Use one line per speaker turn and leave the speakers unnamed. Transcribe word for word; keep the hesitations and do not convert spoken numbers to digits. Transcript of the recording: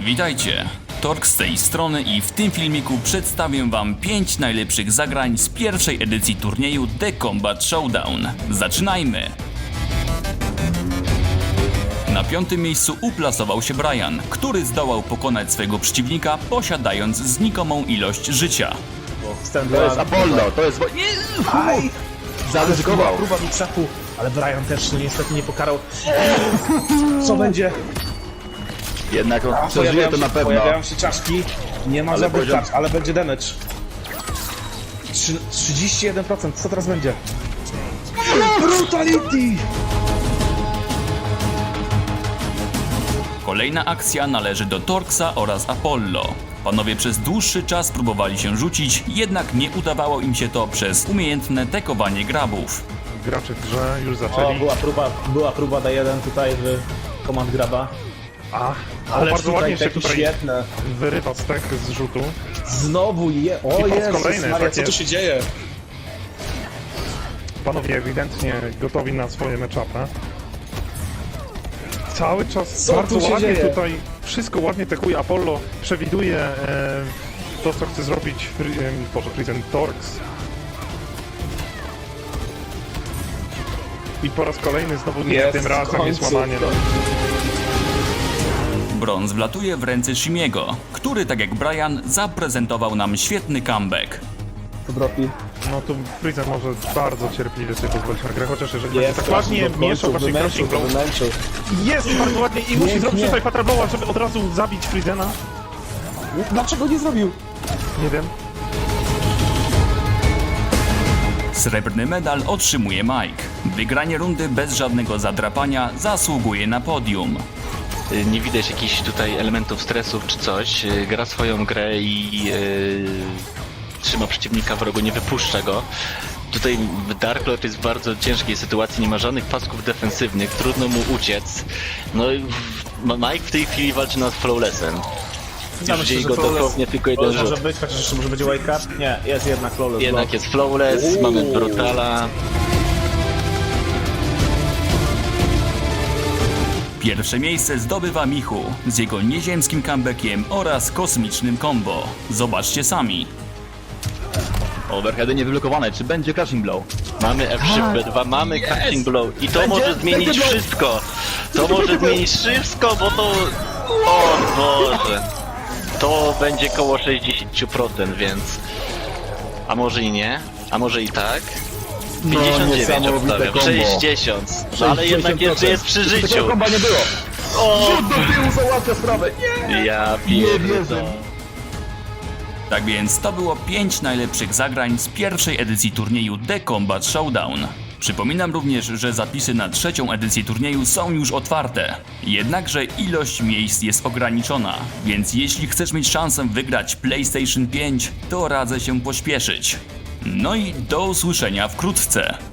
Witajcie, Torx z tej strony i w tym filmiku przedstawię wam pięć najlepszych zagrań z pierwszej edycji turnieju The Combat Showdown. Zaczynajmy! Na piątym miejscu uplasował się Brian, który zdołał pokonać swojego przeciwnika, posiadając znikomą ilość życia.
To jest Apollo, to jest...
Aj!
Zaryzykował.
Próba mixapu, ale Brian też no, niestety nie pokarał. Co będzie?
Jednak on przeżyje to na pewno.
Pojawiają się czaszki, nie ma
Ale
żadnych
poziom-
tarcz, ale będzie damage. Trzy- trzydzieści jeden procent, co teraz będzie? Brutality!
Kolejna akcja należy do Torxa oraz Apollo. Panowie przez dłuższy czas próbowali się rzucić, jednak nie udawało im się to przez umiejętne tekowanie grabów.
Gracze w grze już
O,
zaczęli.
była próba, była próba D jeden tutaj w Command Graba.
A,
Ale
bardzo
tutaj
ładnie się
taki
tutaj
świetne.
wyrywa stek z rzutu.
Znowu je... O
I po raz
Jezus
kolejny,
Maria,
tak
co tu
jest.
się dzieje?
Panowie ewidentnie gotowi na swoje matchupy. Cały czas
Co
bardzo
tu się
ładnie
dzieje?
tutaj wszystko ładnie tekuje. Apollo przewiduje e, to, co chce zrobić Fri- e, Boże, Prison Torx. I po raz kolejny znowu nie,
Jest,
tym
w
razem jest
końcu.
łamanie.
Brąz wlatuje w ręce Shimiego, który tak jak Brian zaprezentował nam świetny comeback.
To dropi.
No tu Prison może bardzo cierpliwie sobie pozwolić na grę, chociaż jeżeli będzie
Jest,
tak ładnie mieszał właśnie
wymęczył,
Crushing
to
Blow.
wymęczył.
Jest bardzo ładnie i musi
Nie,
zrobić
nie.
tutaj Patraboła, żeby od razu zabić Frizena.
Dlaczego nie zrobił?
Nie wiem.
Srebrny medal otrzymuje Mike. Wygranie rundy bez żadnego zadrapania zasługuje na podium.
Nie widać jakichś tutaj elementów stresów czy coś. Gra swoją grę i yy, trzyma przeciwnika w rogu, nie wypuszcza go. Tutaj Dark Lord jest w bardzo ciężkiej sytuacji, nie ma żadnych pasków defensywnych, trudno mu uciec. No i w- Mike w tej chwili walczy nad Flawlessem.
Ja
Już
myślę,
dzieje
że
go
flawless-
dosłownie tylko jeden
flawless
rzut.
może być, chociaż jeszcze może będzie wake up. Nie, jest jednak flawless.
Jednak
block.
jest Flawless,
Uuu.
mamy Brutala.
Pierwsze miejsce zdobywa Michu z jego nieziemskim comebackiem oraz kosmicznym combo. Zobaczcie sami.
Overheady niewyblokowane, czy będzie Crushing Blow?
Mamy F trzy B dwa, mamy Catching Blow i to
Będzie-
może zmienić
będzie blow.
wszystko. To może zmienić wszystko, bo to... O Boże. To będzie koło sześćdziesiąt procent, więc... A może i nie? A może i tak? pięćdziesiąt dziewięć
niesamowite
obstawiam.
combo.
sześćdziesiąt. No ale jednak jeszcze jest przy
Takiego
życiu.
komba nie było.
O,
Rzut do tyłu załatwia sprawę. Nie!
ja
Nie wierzę.
pierdolę.
Tak więc to było pięć najlepszych zagrań z pierwszej edycji turnieju The Combat Showdown. Przypominam również, że zapisy na trzecią edycję turnieju są już otwarte. Jednakże ilość miejsc jest ograniczona, więc jeśli chcesz mieć szansę wygrać PlayStation pięć, to radzę się pośpieszyć. No i do usłyszenia wkrótce.